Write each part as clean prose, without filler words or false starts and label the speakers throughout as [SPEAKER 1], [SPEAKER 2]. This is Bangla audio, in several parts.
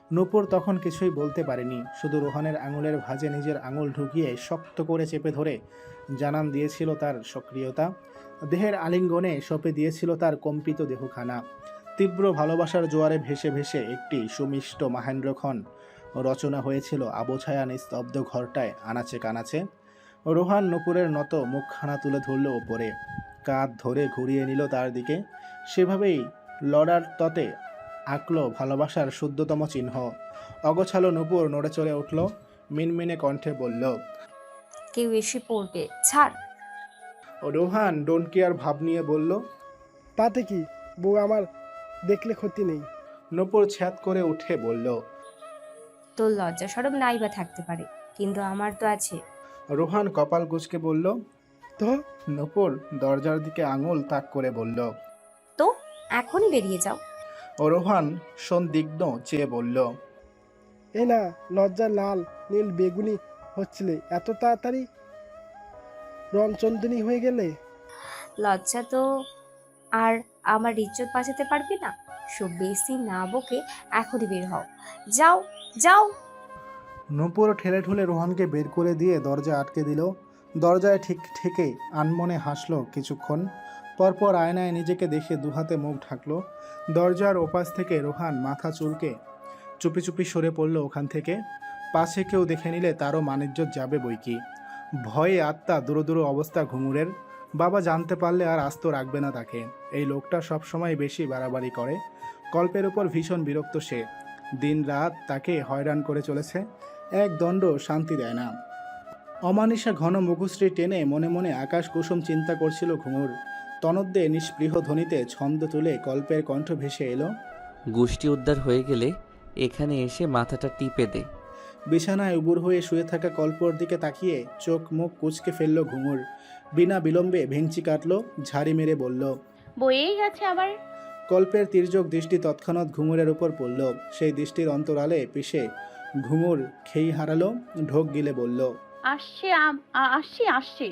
[SPEAKER 1] নূপুর তখন কিছুই বলতে পারেনি, শুধু রোহানের আঙুলের ভাঁজে নিজের আঙুল ঢুকিয়ে শক্ত করে চেপে ধরে জানান দিয়েছিল তার সক্রিয়তা। দেহের আলিঙ্গনে সঁপে দিয়েছিল তার কম্পিত দেহখানা। তীব্র ভালোবাসার জোয়ারে ভেসে ভেসে একটি সুমিষ্ট মাহেন্দ্রক্ষণ রচনা হয়েছিল আবছায়া নিস্তব্ধ ঘরটায় আনাচে কানাচে। রোহান নূপুরের নত মুখখানা তুলে ধরল ওপরে, কাঁধ ধরে ঘুরিয়ে নিল তার দিকে। সেভাবেই লড়ার ততে আঁকল ভালোবাসার শুদ্ধতম চিহ্ন। অগোছালো নূপুর নড়ে চড়ে উঠল, মিনমিনে কণ্ঠে বলল,
[SPEAKER 2] কেউ এসে পড়বে, ছাড়।
[SPEAKER 1] রোহান ডোন্ট কেয়ার ভাব নিয়ে বলল,
[SPEAKER 3] তাতে কি, বউ আমার দেখলে ক্ষতি নেই।
[SPEAKER 1] নূপুর ছ্যাদ করে উঠে বলল।
[SPEAKER 2] তোর লজ্জা সরম নাই বা থাকতে পারে, কিন্তু আমার তো আছে।
[SPEAKER 1] রোহান কপাল কুঁচকে বলল।
[SPEAKER 3] তো
[SPEAKER 1] নূপুর দরজার দিকে আঙুল তাক করে বলল।
[SPEAKER 2] তো এখনই বেরিয়ে যাও।
[SPEAKER 1] রোহান সন্দিগ্ধ চেয়ে বলল,
[SPEAKER 3] এই না, লজ্জা লাল নীল বেগুনি হচ্ছিলে, এত তাড়াতাড়ি রণচন্দ্রী হয়ে গেলে।
[SPEAKER 2] লজ্জা তো আর আমার ইজ্জত বাঁচাতে পারবে না। সব বেশি না বকে এখনই বের হও। যাও যাও।
[SPEAKER 1] নূপুর ঠেলে ঠুলে রোহানকে বের করে দিয়ে দরজা আটকে দিল। দরজায় ঠিক ঠেকে আনমনে হাসল কিছুক্ষণ, পরপর আয়নায় নিজেকে দেখে দুহাতে মুখ ঢাকলো। দরজার ওপাশ থেকে রোহান মাথা চুলকে চুপি চুপি সরে পড়ল ওখান থেকে। পাশে কেউ দেখে নিলে তারও মানিজ্যত যাবে বইকি। ভয়ে আত্মা দূর দূর অবস্থা ঘুঙুরের। বাবা জানতে পারলে আর আস্ত রাখবে না তাকে। এই লোকটা সবসময় বেশি বাড়াবাড়ি করে। কল্পের উপর ভীষণ বিরক্ত সে। দিন রাত তাকে হয়রান করে চলেছে, এক দণ্ড শান্তি দেয় না। অমানিসা ঘন মুখশ্রী টেনে মনে মনে আকাশ কুসুম চিন্তা করছিল ঘুঙুর। তনদ্দে নিষ্পৃহ ধ্বনিতে ছন্দ তুলে কল্পের কণ্ঠ ভেসে এলো।
[SPEAKER 4] গোষ্ঠী উদ্ধার হয়ে গেলে এখানে এসে মাথাটা টিপে দে।
[SPEAKER 1] বিছানায় উবুর হয়ে শুয়ে থাকা কল্পর দিকে তাকিয়ে চোখ মুখ কুঁচকে ফেলল ঘুঙুর। বিনা বিলম্বে ভেঙচি কাটল, ঝাড়ি মেরে বলল।
[SPEAKER 5] বয়েই গেছে আবার।
[SPEAKER 1] কল্পের তির্যক দৃষ্টি তৎক্ষণাৎ ঘুঙুরের উপর পড়ল। সেই দৃষ্টির অন্তরালে পিষে ঘুঙুর খেই হারালো, ঢোক গিলে বলল,
[SPEAKER 5] আসছে আসছি আসছি।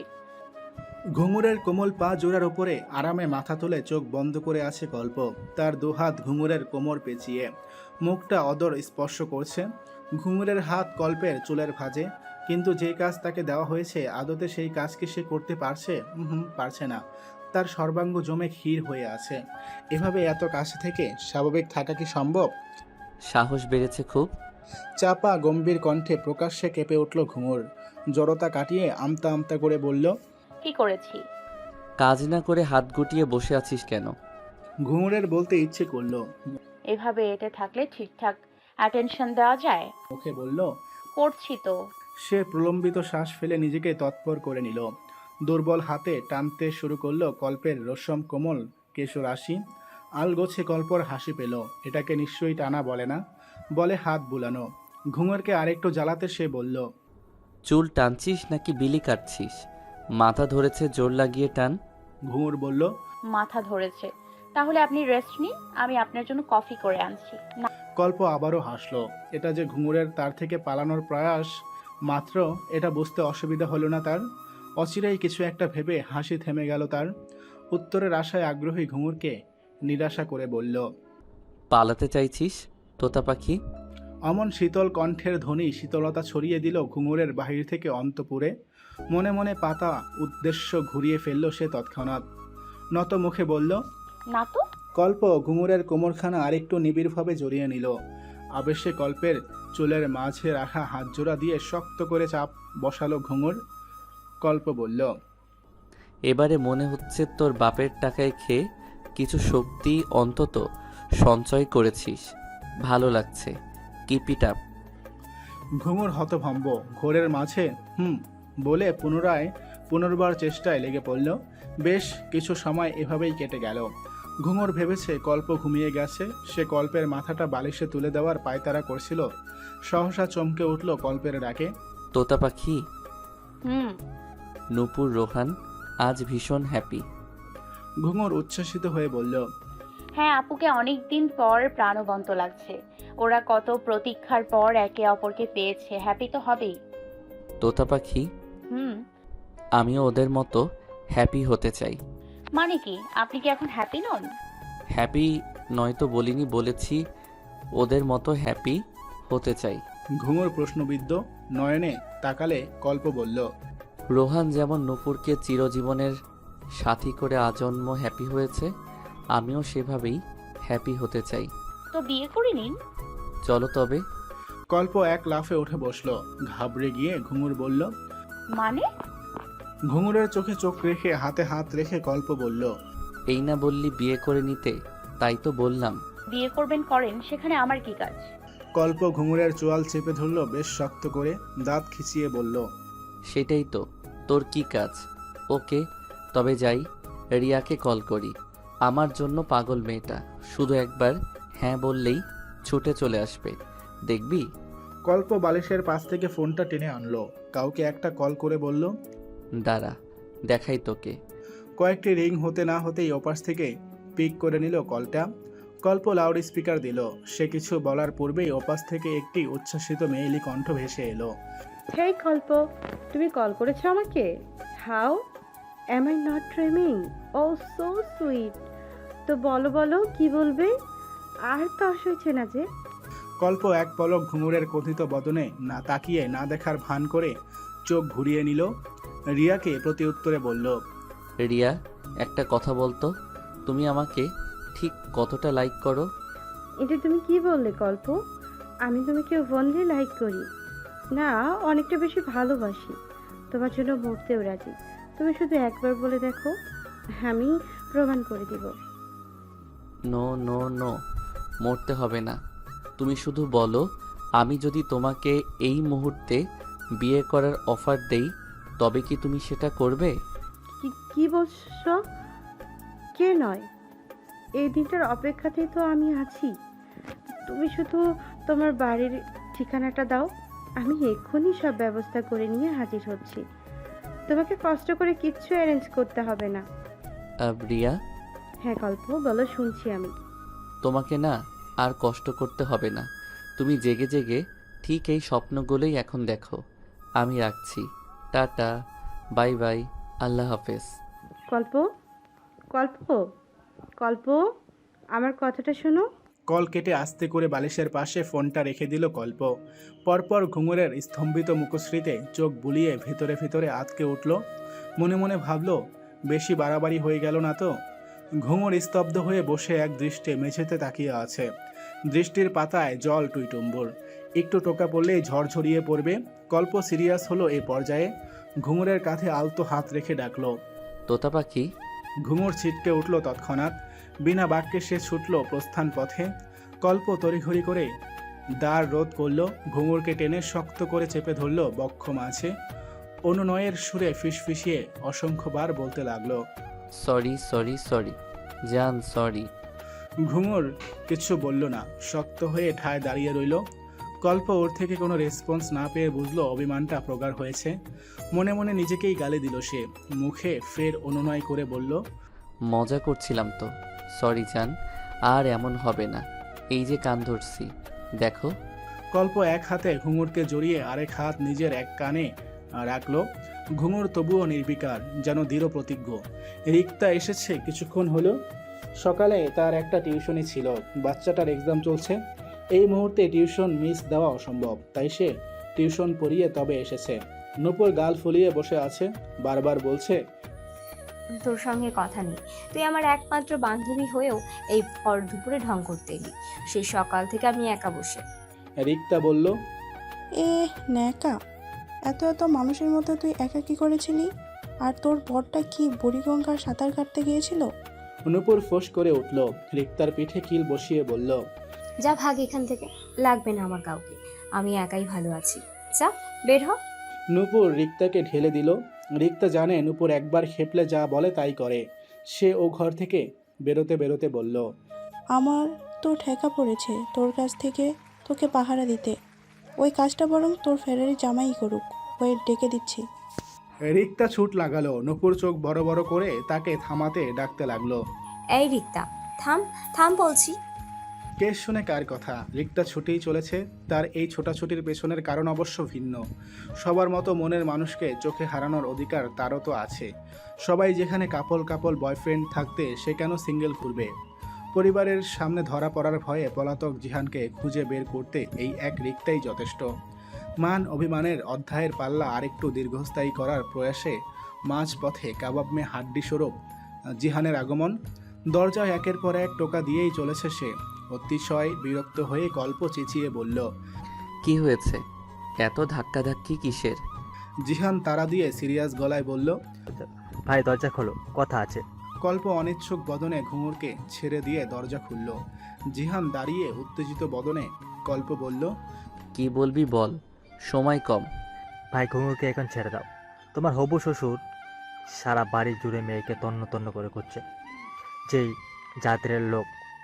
[SPEAKER 1] ঘুঙুরের কোমল পা জোড়ার উপরে আরামে মাথা তুলে চোখ বন্ধ করে আছে কল্প। তার দুহাত ঘুঙুরের কোমর পেঁচিয়ে, মুখটা অদর স্পর্শ করছে। ঘুঙুরের হাত কল্পের চুলের ভাঁজে, কিন্তু যে কাজ তাকে দেওয়া হয়েছে আদতে সেই কাজ কি সে করতে পারছে? পারছে না। তার সর্বাঙ্গ জমে ক্ষীর হয়ে আছে। এভাবে এত কাছে থেকে স্বাভাবিক থাকা কি সম্ভব?
[SPEAKER 4] সাহস বেড়েছে খুব।
[SPEAKER 1] চাপা গম্ভীর কণ্ঠে প্রকাশ্যে কেঁপে উঠল ঘুঙুর। জড়তা কাটিয়ে আমতা আমতা করে বলল,
[SPEAKER 5] কি করেছি?
[SPEAKER 4] কাজ না করে হাত গুটিয়ে বসে আছিস কেন?
[SPEAKER 1] ঘুঙুরের বলতে ইচ্ছে করলো,
[SPEAKER 5] এভাবে এতে থাকলে ঠিকঠাক অ্যাটেনশন দেওয়া যায়?
[SPEAKER 1] মুখে বলল।
[SPEAKER 5] করছি তো।
[SPEAKER 1] সে প্রলম্বিত শ্বাস ফেলে নিজেকে তৎপর করে নিল। দুর্বল হাতে টানতে শুরু করলো কল্পের রসম কোমল কেশরাশি। আলগোছে কল্পর হাসি পেল। এটাকে নিশ্চয়ই টানা বলে না, বলে হাত বুলানো। ঘুঙুরকে আরেকটু জ্বালাতে সে বলল,
[SPEAKER 4] চুল টানছিস নাকি বিলি কাটছিস? মাথা ধরেছে, জোর লাগিয়ে টান।
[SPEAKER 1] ঘুঙুর বলল,
[SPEAKER 5] মাথা ধরেছে। তাহলে আপনি রেস্ট নিন, আমি আপনার জন্য কফি করে আনছি। না।
[SPEAKER 1] কল্প আবারও হাসলো। এটা যে ঘুঙুরের তার থেকে পালানোর প্রয়াস মাত্র, এটা বুঝতে অসুবিধা হলো না তার। অচিরেই কিছু একটা ভেবে হাসি থেমে গেল তার। উত্তরের আশায় আগ্রহী ঘুঙুরকে নিরাশা করে বলল,
[SPEAKER 4] পালাতে চাইছিস তোতা পাখি?
[SPEAKER 1] অমন শীতল কণ্ঠের ধ্বনি শীতলতা ছড়িয়ে দিল ঘুঙুরের বাহির থেকে অন্তপুরে। মনে মনে পাতা উদ্দেশ্য ঘুরিয়ে ফেলল সে তৎক্ষণাৎ। নত মুখে বলল,
[SPEAKER 5] না তো।
[SPEAKER 1] কল্প ঘুঙুরের কোমরখানা আরেকটু নিবিড়ভাবে জড়িয়ে নিল। আবেশে কল্পের চুলের মাঝে রাখা হাত জোড়া দিয়ে শক্ত করে চাপ বসালো ঘুঙুর। কল্প বলল,
[SPEAKER 4] এবারে মনে হচ্ছে তোর বাপের টাকায় খেয়ে কিছু শক্তি অন্তত সঞ্চয় করেছিস। ভালো লাগছে, কিপ ইট আপ।
[SPEAKER 1] ঘুঙুর হতভম্ব। ঘোরের মাঝে বলে পুনর্বার চেষ্টায় লেগে পড়ল। বেশ কিছু সময় এভাবেই কেটে গেল। ঘুঙুর ভেবেছে কল্প ঘুমিয়ে গেছে। সে কল্পের মাথাটা বালিশে তুলে দেওয়ার পায়তারা করছিল। সহসা চমকে উঠল কল্পের ডাকে।
[SPEAKER 4] তোতা পাখি।
[SPEAKER 5] হুম।
[SPEAKER 4] নূপুর, রোহান আজ ভীষণ হ্যাপি।
[SPEAKER 1] ঘুঙুর উচ্ছ্বসিত হয়ে বলল,
[SPEAKER 5] হ্যাঁ, আপুকে অনেক দিন পর প্রাণবন্ত লাগছে। ওরা কত প্রতীক্ষার পর একে অপরকে পেয়েছে, হ্যাপি তো হবেই।
[SPEAKER 4] তোতা পাখি,
[SPEAKER 5] হুম।
[SPEAKER 4] আমিও ওদের মতো হ্যাপি হতে চাই।
[SPEAKER 5] মানে কি, আপনি কি এখন হ্যাপি নন?
[SPEAKER 4] হ্যাপি নয়তো বলিনি, বলেছি ওদের মতো হ্যাপি হতে চাই।
[SPEAKER 1] ঘুঙুর প্রশ্নবিদ্ধ নয়নে তাকালে কল্প বলল,
[SPEAKER 4] রোহান যেমন নূপুরকে চিরজীবনের সাথী করে আজন্ম হ্যাপি হয়েছে, আমিও সেভাবেই হ্যাপি হতে চাই।
[SPEAKER 5] তো বিয়ে করে নিন।
[SPEAKER 4] চলো তবে।
[SPEAKER 1] কল্প এক লাফে উঠে বসলো। ঘাবড়ে গিয়ে ঘুঙুর বলল,
[SPEAKER 5] মানে?
[SPEAKER 1] ঘুঙুরের চোখে চোখ রেখে হাতে হাত রেখে কল্প বলল,
[SPEAKER 4] এই না বললি বিয়ে করে নিতে, তাই তো বললাম।
[SPEAKER 5] বিয়ে করবেন করেন, সেখানে আমার কি কাজ?
[SPEAKER 1] কল্প ঘুঙুরের চোয়াল চেপে ধরল বেশ শক্ত করে, দাঁত খিচিয়ে বলল,
[SPEAKER 4] সেটাই তো, তোর কি কাজ? ওকে, তবে যাই, রিয়াকে কল করি। আমার জন্য পাগল মেয়েটা, শুধু একবার হ্যাঁ বললেই ছুটে চলে আসবে, দেখবি।
[SPEAKER 1] কল্প বালিশের পাশ থেকে ফোনটা টেনে আনলো, কাউকে একটা কল করে বলল,
[SPEAKER 4] দাঁড়া, দেখাই তোকে।
[SPEAKER 1] কয়েকটি রিং হতে না হতেই ওপাশ থেকে পিক করে নিল কলটা। কল্প লাউড স্পিকার দিল। সে কিছু বলার পূর্বেই ওপাশ থেকে একটি উচ্ছ্বাসিত মেয়েলি কণ্ঠ ভেসে এলো।
[SPEAKER 6] হেই কল্প, তুমি কল করেছো আমাকে? How am I not dreaming? Oh so sweet. তো বলো বলো, কি বলবে? আর তস হয়েছে না যে।
[SPEAKER 1] কল্প এক পলক ঘুঙুরের কথিত বদনে না তাকিয়ে না দেখার ভান করে চোখ ঘুরিয়ে নিল। রিয়াকে প্রতি উত্তরে বলল,
[SPEAKER 4] রিয়া, একটা কথা বলতো, তুমি আমাকে ঠিক কতটা লাইক করো?
[SPEAKER 6] এটা তুমি কি বললে কল্প? আমি তোমাকে ওনলি লাইক করি না, অনেকটা বেশি ভালোবাসি। তোমার জন্য মরতেও রাজি। তুমি শুধু একবার বলে দেখো, আমি প্রমাণ করে দিব।
[SPEAKER 4] নো নো নো, মরতে হবে না। তুমি শুধু বলো, আমি যদি তোমাকে এই মুহূর্তে বিয়ে করার অফার দেই, তবে কি তুমি সেটা করবে?
[SPEAKER 6] কি বলছো? কে নয়? এই দিনটার অপেক্ষাতেই তো আমি আছি। তুমি শুধু তোমার বাড়ির ঠিকানাটা দাও, আমি এক্ষুনি সব ব্যবস্থা করে নিয়ে হাজির হচ্ছি। তোমাকে কষ্ট করে কিচ্ছু অ্যারেঞ্জ করতে হবে না।
[SPEAKER 4] রিয়া,
[SPEAKER 6] হ্যাঁ কল্প, বলো, শুনছি আমি।
[SPEAKER 4] তোমাকে না আর কষ্ট করতে হবে না। তুমি জেগে জেগে ঠিক এই স্বপ্নগুলোই এখন দেখো। আমি রাখছি, টাটা, বাই বাই, আল্লাহ হাফেজ।
[SPEAKER 6] কল্প, কল্প, কল্প, আমার কথাটা শোনো।
[SPEAKER 1] কল কেটে আস্তে করে বালিশের পাশে ফোনটা রেখে দিল কল্প। পরপর ঘুঙুরের স্তম্ভিত মুখশ্রীতে চোখ বুলিয়ে ভিতরে ভিতরে আটকে উঠল। মনে মনে ভাবল, বেশি বাড়াবাড়ি হয়ে গেল না তো? ঘুঙুর স্তব্ধ হয়ে বসে এক দৃষ্টে মেঝেতে তাকিয়ে আছে। দৃষ্টির পাতায় জল টুইটুম্বুর, একটু টোকা পড়লেই ঝড়ঝরিয়ে পড়বে। কল্প সিরিয়াস হলো এই পর্যায়ে। ঘুঙুরের কাঁধে আলতো হাত রেখে ডাকলো।
[SPEAKER 4] তোতা পাখি।
[SPEAKER 1] ঘুঙুর ছিটকে উঠল তৎক্ষণাৎ। বিনা বাক্যে সে ছুটল প্রস্থান পথে। কল্প তড়িঘড়ি করে দ্বার রোধ করল, ঘুঙুরকে টেনে শক্ত করে চেপে ধরল বক্ষ মাঝে। অনুনয়ের সুরে ফিসফিসিয়ে অসংখ্যবার বলতে লাগলো,
[SPEAKER 4] সরি সরি সরি জান, সরি।
[SPEAKER 1] ঘুঙুর কিছু বলল না, শক্ত হয়ে ঠায় দাঁড়িয়ে রইল। কল্প ওর থেকে কোনো রেসপন্স না পেয়ে বুঝলো অভিমানটা প্রগাঢ় হয়েছে। মনে মনে নিজেকেই গালি দিল সে। মুখে ফের অনুনয় করে বলল,
[SPEAKER 4] মজা করছিলাম তো, সরি জান, আর এমন হবে না। এই যে কান ধরছি, দেখো।
[SPEAKER 1] কল্প এক হাতে ঘুঙুরকে জড়িয়ে আরেক হাত নিজের এক কানে রাখলো। ঘুঙুর তবুও নির্বিকার, যেন দৃঢ় প্রতিজ্ঞ। রিক্তা এসেছে কিছুক্ষণ হলো। সকালে তার একটা টিউশনি ছিল, বাচ্চাটার এক্সাম চলছে। এই মুহূর্তে টিউশন মিস দেওয়া অসম্ভব, তাই সে টিউশন পড়িয়ে তবে এসেছে। নূপুর গাল ফুলিয়ে বসে আছে, বারবার বলছে,
[SPEAKER 2] তোর সঙ্গে কথা নেই। তুই আমার একমাত্র বান্ধবী হয়েও এই ভর দুপুরে ঢং করতে এলি। সেই সকাল থেকে আমি একা বসে।
[SPEAKER 1] রিক্তা বলল,
[SPEAKER 7] ন্যাকা, এত এত মানুষের মধ্যে তুই একা কি করেছিলি? আর তোর বরটা কি বুড়িগঙ্গার সাঁতার কাটতে গিয়েছিল?
[SPEAKER 1] নূপুর ফোঁস করে উঠল। রিক্তার পিঠে কিল বসিয়ে বলল,
[SPEAKER 2] যা ভাগ এখান থেকে, লাগবে না আমার কাউকে। আমি একাই ভালো আছি, যা বের হ।
[SPEAKER 1] নূপুর রিক্তাকে ঢেলে দিল। রিক্তা জানে নূপুর একবার খেপলে যা বলে তাই করে। সে ও ঘর থেকে বেরোতে বেরোতে বলল,
[SPEAKER 7] আমার তো ঠেকা পড়েছে তোর কাছ থেকে তোকে পাহারা দিতে। ওই কাজটা বরং তোর ফেরারি জামাই করুক, ওয়েট ডেকে দিচ্ছি।
[SPEAKER 1] রিক্তা ছুট লাগালো। নূপুর চোখ বড় বড় করে তাকে থামাতে ডাকতে লাগলো,
[SPEAKER 2] এই রিক্তা, থাম থাম বলছি।
[SPEAKER 1] কে শুনে কার কথা? রিক্তা ছুটেই চলেছে। তার এই ছোটাছুটির পেছনের কারণ অবশ্য ভিন্ন। সবার মতো মনের মানুষকে চোখে হারানোর অধিকার তারও তো আছে। সবাই যেখানে কাপল কাপল বয়ফ্রেন্ড থাকতে সে কেন সিঙ্গেল ঘুরবে? পরিবারের সামনে ধরা পড়ার ভয়ে পলাতক জিহানকে খুঁজে বের করতে এই এক রিক্তাই যথেষ্ট। মান অভিমানের অধ্যায়ের পাল্লা আরেকটু দীর্ঘস্থায়ী করার প্রয়াসে মাঝপথে কাবাব মে হাড্ডি স্বরূপ জিহানের আগমন। দরজায় একের পর এক টোকা দিয়েই চলেছে সে। অতিশয় বিরক্ত হয়ে কল্প চেঁচিয়ে বলল,
[SPEAKER 4] কি হয়েছে? এত ধাক্কাধাক্কি কিসের?
[SPEAKER 1] জিহান তাড়া দিয়ে সিরিয়াস গলায় বলল।
[SPEAKER 8] ভাই দরজা খোলো, কথা আছে।
[SPEAKER 1] কল্প অনিচ্ছুক বদনে ঘুঙুরকে ছেড়ে দিয়ে দরজা খুলল। জিহান দাঁড়িয়ে উত্তেজিত বদনে কল্প বলল,
[SPEAKER 4] কি বলবি বল, সময় কম।
[SPEAKER 8] ভাই ঘুঙুরকে এখন ছেড়ে দাও। তোমার হবু শ্বশুর সারা বাড়ি জুড়ে মেয়েকে তন্ন তন্ন করে করছে। যেই জাতির লোক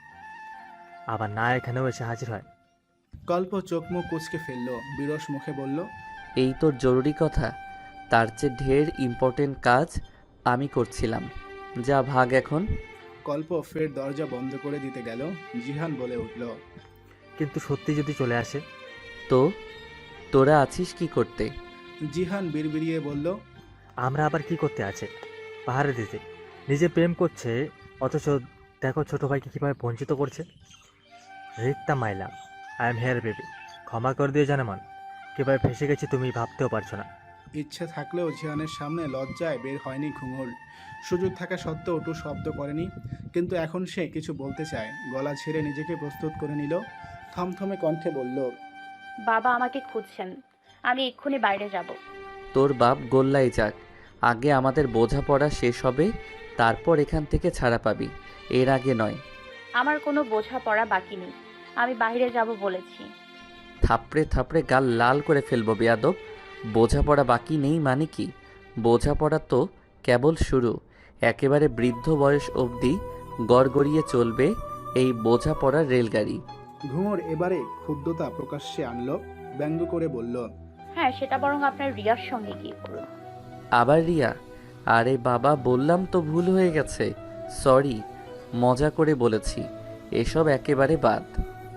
[SPEAKER 8] আবার না এখানেও এসে হাজির হয়।
[SPEAKER 1] কল্প চোখ মুখ কুঁচকে ফেলল, বিরস মুখে বলল,
[SPEAKER 4] এই তোর জরুরি কথা? তার চেয়ে ঢের ইম্পর্টেন্ট কাজ আমি করছিলাম। যা ভাগ এখন।
[SPEAKER 1] কল্প ফের দরজা বন্ধ করে দিতে গেল। জিহান বলে উঠল,
[SPEAKER 8] কিন্তু সত্যি যদি চলে আসে?
[SPEAKER 4] তো তোরা আছিস কি করতে?
[SPEAKER 1] জিহান বিড়বিড়িয়ে বলল,
[SPEAKER 8] আমরা আবার কি করতে আছে? পাহাড়ে দিতে। নিজে প্রেম করছে অথচ দেখো ছোট ভাইকে কীভাবে বঞ্চিত করছে। রিক্তা মাইলা, আই এম হেয়ার বেবি। ক্ষমা করে দিয়ে জানেমান, কীভাবে ফেসে গেছি তুমি ভাবতেও পারছো না।
[SPEAKER 1] ইচ্ছে থাকলেও জিহানের সামনে লজ্জায় বের হয়নি ঘুঙুর। সুযোগ থাকা সত্ত্বেও টু শব্দ করেনি। কিন্তু এখন সে কিছু বলতে চায়। গলা ছেড়ে নিজেকে প্রস্তুত করে নিল। থমথমে কণ্ঠে বলল,
[SPEAKER 5] বাবা আমাকে খুঁজছেন, আমি এক্ষুনি বাইরে যাব।
[SPEAKER 4] তোর বাপ গোল্লাই যাক, আগে আমাদের বোঝাপড়া শেষ হবে, তারপর এখান থেকে ছাড়া পাবি, এর আগে নয়।
[SPEAKER 5] আমার কোনো বোঝাপড়া বাকি নেই, আমি বাইরে যাব বলেছি।
[SPEAKER 4] থাপড়ে থাপড়ে গাল লাল করে ফেলবো বেয়াদব। বোঝাপড়া বাকি নেই মানে কি? বোঝাপড়া তো কেবল শুরু। একেবারে বৃদ্ধ বয়স অবধি গড়গড়িয়ে চলবে এই বোঝাপড়ার রেলগাড়ি।
[SPEAKER 1] ঘুঙুর এবারে ক্ষুব্ধতা প্রকাশ্যে আনল। ব্যঙ্গ করে বলল,
[SPEAKER 5] হ্যাঁ, সেটা বরং আপনার রিয়ার সঙ্গে গিয়ে করুন।
[SPEAKER 4] আবার রিয়া? আরে বাবা, বললাম তো ভুল হয়ে গেছে, সরি, মজা করে বলেছি, এসব একেবারে বাদ।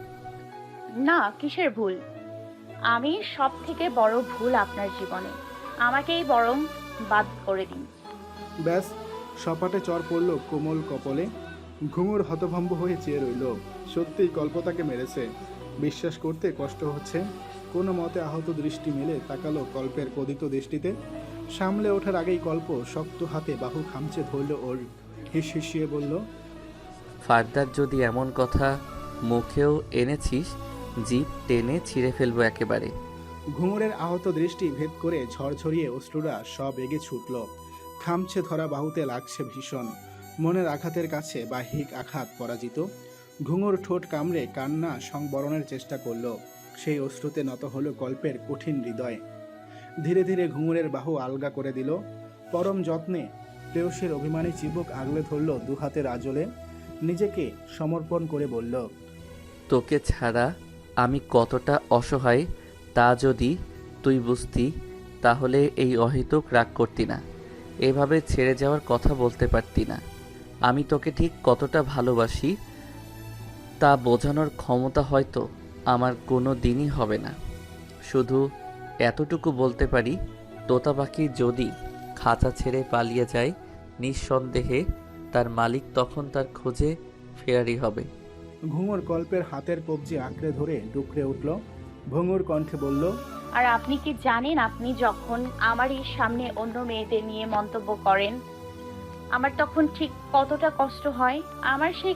[SPEAKER 5] না, কিসের ভুল? আমি সব থেকে বড় ভুল আপনার জীবনে, আমাকেই বরং বাদ করে দিন।
[SPEAKER 1] ব্যাস, সপাটে চর পড়ল কোমল কপলে। ঘুঙুর হতভম্ব হয়ে চেয়ে রইল। সত্যিই কল্প তাকে মেরেছে। বিশ্বাস করতে কষ্ট হচ্ছে। কোনো মতে আহত দৃষ্টি মেলে তাকালো কল্পের কোদিত দৃষ্টিতে। সামলে ওঠার আগেই কল্প শক্ত হাতে বাহু খামচে ধরল ওর। হিসিয়ে বলল,
[SPEAKER 4] ফার্দার যদি এমন কথা মুখেও এনেছিস, জিভ টেনে ছিঁড়ে ফেলবো একেবারে।
[SPEAKER 1] ঘুঙুরের আহত দৃষ্টি ভেদ করে ঝরঝরিয়ে অশ্রুরা সব এগে ছুটল। খামছে ধরা বাহুতে লাগছে ভীষণ। মনের আঘাতের কাছে বাহিক আঘাত পরাজিত। ঘুঙুর ঠোঁট কামড়ে কান্না সংবরণের চেষ্টা করল। সেই অশ্রুতে নত হলো কল্পের কঠিন হৃদয়। ধীরে ধীরে ঘুঙুরের বাহু আলগা করে দিল। পরম যত্নে প্রেয়সীর অভিমানী চিবুক আগলে ধরল দুহাতের আঁচলে। নিজেকে সমর্পণ করে বলল,
[SPEAKER 4] তোকে ছাড়া আমি কতটা অসহায় তা যদি তুই বুঝতি, তাহলে এই অহেতুক রাগ করতি না, এভাবে ছেড়ে যাওয়ার কথা বলতে পারতি না। আমি তোকে ঠিক কতটা ভালোবাসি তা বোঝানোর ক্ষমতা হয়তো আমার কোনো দিনই হবে না। শুধু এতটুকু বলতে পারি, তোতা পাখি যদি খাঁচা ছেড়ে পালিয়ে যায়, নিঃসন্দেহে তার মালিক তখন তার খোঁজে ফেরারি হবে।
[SPEAKER 1] ঘুঙুর কল্পের হাতের কবজি আঁকড়ে ধরে ডুকরে উঠল। ভঙ্গুর কণ্ঠে বলল,
[SPEAKER 5] আর আপনি কি জানেন, আপনি যখন আমারই সামনে অন্য মেয়েদের নিয়ে মন্তব্য করেন, আমার তখন ঠিক কতটা কষ্ট হয়? আমার সেই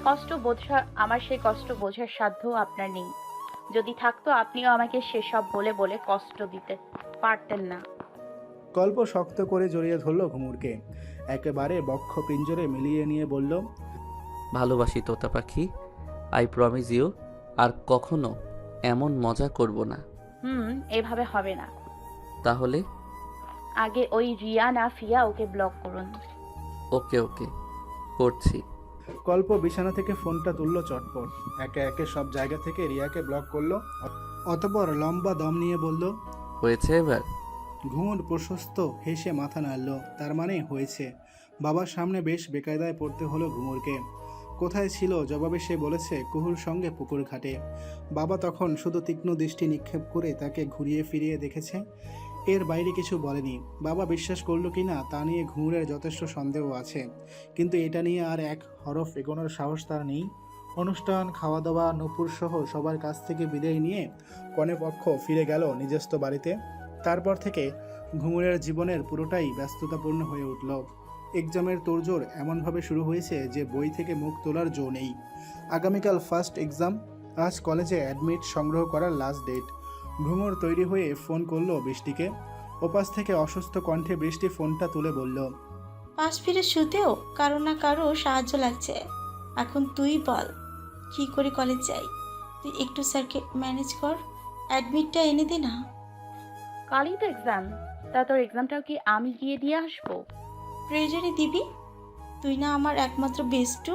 [SPEAKER 5] কষ্ট বোঝার সাধ্য আপনার নেই। যদি থাকতো, আপনিও আমাকে সেসব বলে বলে কষ্ট দিতে পারতেন না।
[SPEAKER 1] কল্প শক্ত করে জড়িয়ে ধরল ঘুঙুরকে। একেবারে বক্ষ পিঞ্জরে মিলিয়ে নিয়ে বলল,
[SPEAKER 4] ভালোবাসি তোতা পাখি, আই প্রমিস ইউ, আর কখনো এমন মজা করব না।
[SPEAKER 5] এভাবে হবে না।
[SPEAKER 4] তাহলে?
[SPEAKER 5] আগে ওই রিয়া না ফিয়া ওকে ব্লক করুন।
[SPEAKER 4] ওকে ওকে, করছি।
[SPEAKER 1] কল্প বিছানা থেকে ফোনটা তুলল চটপট। একে একে সব জায়গা থেকে রিয়াকে ব্লক করলো। অতঃপর লম্বা দম নিয়ে বলল,
[SPEAKER 4] হয়েছে এবার?
[SPEAKER 1] ঘুঙুর প্রশস্ত হেসে মাথা নাড়ল। তার মানে হয়েছে। বাবার সামনে বেশ বেকায়দায় পড়তে হলো ঘুঙুরকে। কোথায় ছিল জবাবে সে বলেছে কুহুর সঙ্গে পুকুর ঘাটে। বাবা তখন শুধু তীক্ষ্ণ দৃষ্টি নিক্ষেপ করে তাকে ঘুরিয়ে ফিরিয়ে দেখেছে, এর বাইরে কিছু বলেনি। বাবা বিশ্বাস করলো কিনা তা নিয়ে ঘুঙুরের যথেষ্ট সন্দেহ আছে, কিন্তু এটা নিয়ে আর এক হরফ এগোনোর সাহস তার নেই। অনুষ্ঠান, খাওয়া দাওয়া, নূপুর সহ সবার কাছ থেকে বিদায় নিয়ে কনেপক্ষ ফিরে গেল নিজস্ব বাড়িতে। তারপর থেকে ঘুঙুরের জীবনের পুরোটাই ব্যস্ততাপূর্ণ হয়ে উঠল। এক্সামের তোড়জোড় এমনভাবে শুরু হয়েছে যে বই থেকে মুখ তোলার জো নেই। আগামীকাল ফার্স্ট এক্সাম, আজ কলেজে অ্যাডমিট সংগ্রহ করার লাস্ট ডেট। ঘুঙুর তৈরি হয়ে ফোন করলো বৃষ্টিকে। ওপাশ থেকে অসুস্থ কণ্ঠে বৃষ্টি ফোনটা তুলে বলল,
[SPEAKER 9] পাশ ফিরে শুতেও কারো না কারো সাহায্য লাগছে। এখন তুই বল কি করে কলেজ যাই? তুই একটু স্যারকে ম্যানেজ কর, অ্যাডমিটটা এনে দে না।
[SPEAKER 5] কালই তো এক্সাম, তা তোর এক্সামটাও কি আমি গিয়ে দিয়ে আসবো?
[SPEAKER 9] প্রয়োজনে দিবি, তুই না আমার একমাত্র বেস্টু।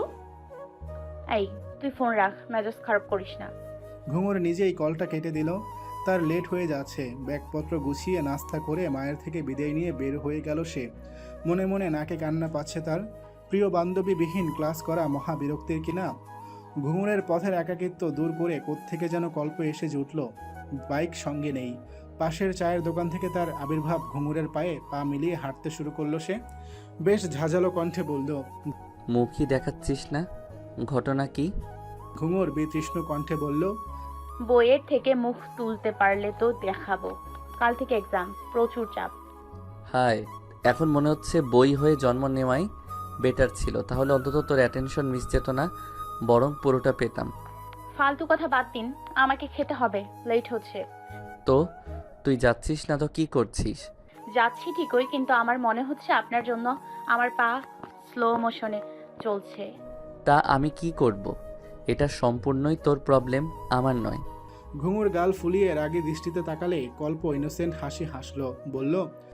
[SPEAKER 5] এই তুই ফোন রাখ, মেজাজ খারাপ করিস না।
[SPEAKER 1] ঘুঙুর নিজেই কলটা কেটে দিল। তার লেট হয়ে যাচ্ছে। ব্যাগপত্র গুছিয়ে নাস্তা করে মায়ের থেকে বিদায় নিয়ে বের হয়ে গেল সে। মনে মনে নাকে কান্না পাচ্ছে তার। প্রিয় বান্ধবীবিহীন ক্লাস করা মহা বিরক্তির কিনা। ঘুঙুরের পথের একাকিত্ব দূর করে কোত্থেকে যেন কল্প এসে জুটল। বাইক সঙ্গে নেই। পাশের চায়ের দোকান থেকে তার আবির্ভাব। ঘুঙুরের পায়ে পা মিলিয়ে হাঁটতে শুরু করলো সে। বেশ ঝাঁঝালো কণ্ঠে বলল,
[SPEAKER 4] মুখই দেখাচ্ছিস না, ঘটনা কি?
[SPEAKER 1] ঘুঙুর বিতৃষ্ণ কণ্ঠে বলল,
[SPEAKER 5] বইয়ের থেকে মুখ তুলতে পারলে তো দেখাবো। কাল থেকে এক্সাম, প্রচুর চাপ।
[SPEAKER 4] হায়, এখন মনে হচ্ছে বই হয়ে জন্ম নেওয়াই বেটার ছিল। তাহলে অন্তত তোর অ্যাটেনশন মিস যেত না, বরং পুরোটা পেতাম।
[SPEAKER 5] ফালতু কথা বাদ দিন, আমাকে খেতে হবে, লেট হচ্ছে।
[SPEAKER 4] তো তুই যাচ্ছিস না তো কি করছিস?
[SPEAKER 5] যাচ্ছি ঠিকই, কিন্তু আমার মনে হচ্ছে আপনার জন্য আমার পা স্লো মোশনে চলছে।
[SPEAKER 4] তা আমি কি করব? এটা সম্পূর্ণই তোর প্রবলেম, আমার নয়।
[SPEAKER 1] ঘুঙুর গাল ফুলিয়ে রাগী দৃষ্টিতে তাকালে কল্প ইনোসেন্ট হাসি হাসল, বলল,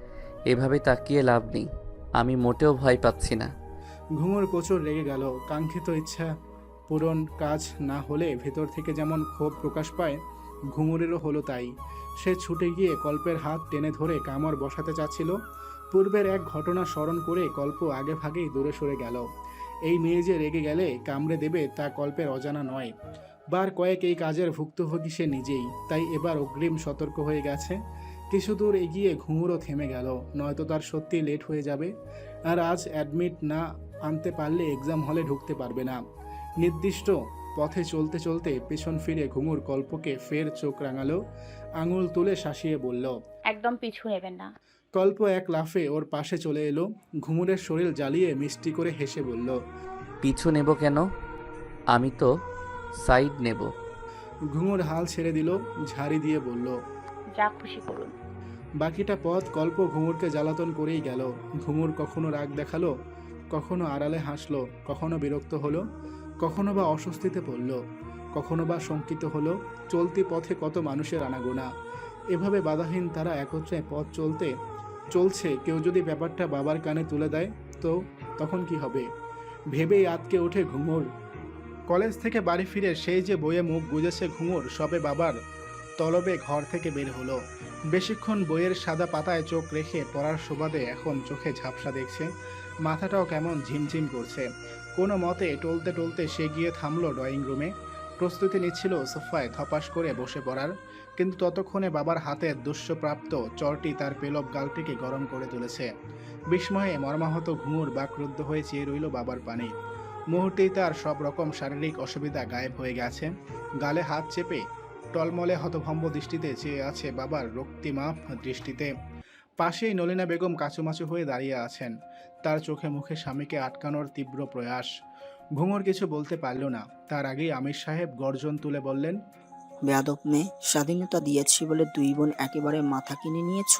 [SPEAKER 4] এভাবে তাকিয়ে লাভ নেই, আমি মোটেও ভয় পাচ্ছি না।
[SPEAKER 1] ঘুঙুর প্রচুর রেগে গেল। কাঙ্ক্ষিত ইচ্ছা পূরণ কাজ না হলে ভেতর থেকে যেমন ক্ষোভ প্রকাশ পায়, ঘুঙুরেরও হলো তাই। সে ছুটে গিয়ে কল্পের হাত টেনে ধরে কামড় বসাতে চাচ্ছিল। পূর্বের এক ঘটনা স্মরণ করে কল্প আগে ভাগেই দূরে সরে গেল। এই মেয়ে যে রেগে গেলে কামড়ে দেবে তা কল্পের অজানা নয়। বার কয়েক এই কাজের ভুক্তভোগী সে নিজেই, তাই এবার অগ্রিম সতর্ক হয়ে গেছে। কিছু দূর এগিয়ে ঘুঙুরও থেমে গেল, নয়তো তার সত্যি লেট হয়ে যাবে। আর আজ অ্যাডমিট না আনতে পারলে এক্সাম হলে ঢুকতে পারবে না। নির্দিষ্ট পথে চলতে চলতে পেছন ফিরে ঘুঙুর কল্পকে ফের চোখ রাঙালো, আঙুল তুলে শাসিয়ে বলল,
[SPEAKER 5] একদম পিছু নেবেন না।
[SPEAKER 1] কল্প এক লাফে ওর পাশে চলে এলো। ঘুঙুরের শরীর জ্বালিয়ে মিষ্টি করে হেসে বলল,
[SPEAKER 4] পিছু নেব কেন? আমি তো সাইড নেব।
[SPEAKER 1] ঘুঙুর হাল ছেড়ে দিল, ঝাড়ি দিয়ে বলল,
[SPEAKER 5] যা খুশি করুন।
[SPEAKER 1] বাকিটা পথ কল্প ঘুঙুরকে জ্বালাতন করেই গেল। ঘুঙুর কখনো রাগ দেখালো, কখনো আড়ালে হাসলো, কখনো বিরক্ত হলো, কখনো বা অস্বস্তিতে পড়ল, কখনো বা শঙ্কিত হলো। চলতি পথে কত মানুষের আনাগোনা। এভাবে বাধাহীন তারা একত্রে পথ চলছে। কেউ যদি ব্যাপারটা বাবার কানে তুলে দেয় তো তখন কি হবে ভেবেই আটকে ওঠে ঘুঙুর। কলেজ থেকে বাড়ি ফিরে সেই যে বইয়ে মুখ গুজেছে ঘুঙুর, সবে বাবার তলবে ঘর থেকে বের হলো। বেশিক্ষণ বইয়ের সাদা পাতায় চোখ রেখে পড়ার সুবাদে এখন চোখে ঝাপসা দেখছে, মাথাটাও কেমন ঝিমঝিম করছে। কোনো মতে টলতে টলতে সে গিয়ে থামলো ড্রয়িং রুমে। প্রস্তুতি নিচ্ছিল সোফায় ধপাস করে বসে পড়ার, কিন্তু ততক্ষণে বাবার হাতের দুষ্যপ্রাপ্ত চরটি তার পেলব গালটিকে গরম করে তুলেছে। বিস্ময়ে মর্মাহত ঘুঙুর বাকরুদ্ধ হয়ে চেয়ে রইল বাবার পানে। মুহূর্তেই তার সব রকম শারীরিক অসুবিধা গায়েব হয়ে গেছে। গালে হাত চেপে টলমলে হতভম্ব দৃষ্টিতে চেয়ে আছে বাবার রক্তিমাপ দৃষ্টিতে। পাশেই নলিনা বেগম কাচুমাচু হয়ে দাঁড়িয়ে আছেন, তার চোখে মুখে স্বামীকে আটকানোর তীব্র প্রয়াস। ঘুঙুর কিছু বলতে পারল না। তার আগেই আমির সাহেব গর্জন তুলে বললেন,
[SPEAKER 10] বেয়াদব মেয়ে, স্বাধীনতা দিয়েছি বলে দুই বোন একেবারে মাথা কিনে নিয়েছ।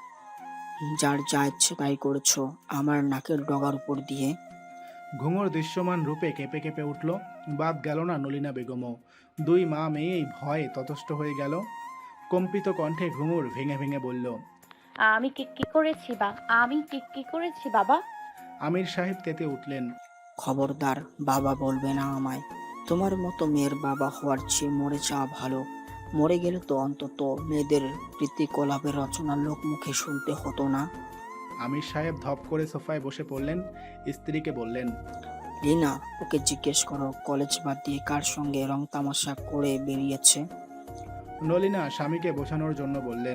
[SPEAKER 10] যার যা ইচ্ছে তাই করেছ আমার নাকের ডগার উপর দিয়ে।
[SPEAKER 1] ঘুঙুর দৃশ্যমান রূপে কেঁপে কেঁপে উঠল। বাদ গেল না নলিনা বেগমও। দুই মা মেয়েই ভয়ে ততষ্ট হয়ে গেল। কম্পিত কণ্ঠে ঘুঙুর ভেঙে ভেঙে বলল,
[SPEAKER 5] আমি কি করেছি আমি কি করেছি বাবা?
[SPEAKER 1] আমির সাহেব তেতে উঠলেন,
[SPEAKER 10] খবরদার বাবা বলবে না আমায়। তোমার মতো মেয়ের বাবা হওয়ার চেয়ে মরে যাওয়া ভালো। মরে গেলে তো অন্তত মেয়েদের প্রীতিকলাপের রচনা লোক মুখে শুনতে হতো না।
[SPEAKER 1] আমির সাহেব ধপ করে সোফায় বসে পড়লেন। স্ত্রীকে বললেন,
[SPEAKER 10] রিনা, ওকে জিজ্ঞেস করো কলেজ বাদ দিয়ে কার সঙ্গে রং তামাশা করে বেরিয়েছে।
[SPEAKER 1] নলিনা স্বামীকে বোঝানোর জন্য বললেন,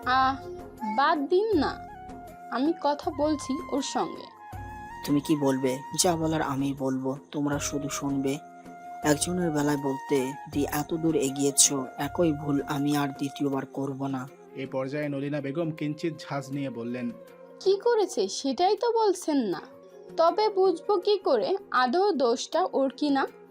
[SPEAKER 11] বাদ দিন না, আমি কথা বলছি ওর সঙ্গে।
[SPEAKER 10] তুমি কি বলবে? যা বলার আমি বলবো, তোমরা শুধু শুনবে। একজনের বেলায় বলতে দি এত দূর এগিয়েছ, একই ভুল আমি আর দ্বিতীয়বার করব না।
[SPEAKER 1] এই পর্যায়ে নলিনা বেগম কিঞ্চিত ঝাঁজ নিয়ে বললেন,
[SPEAKER 11] কি করেছে সেটাই তো বলছেন না। তবে বুঝবো কি করে আদৌ দোষটা ওর কি না?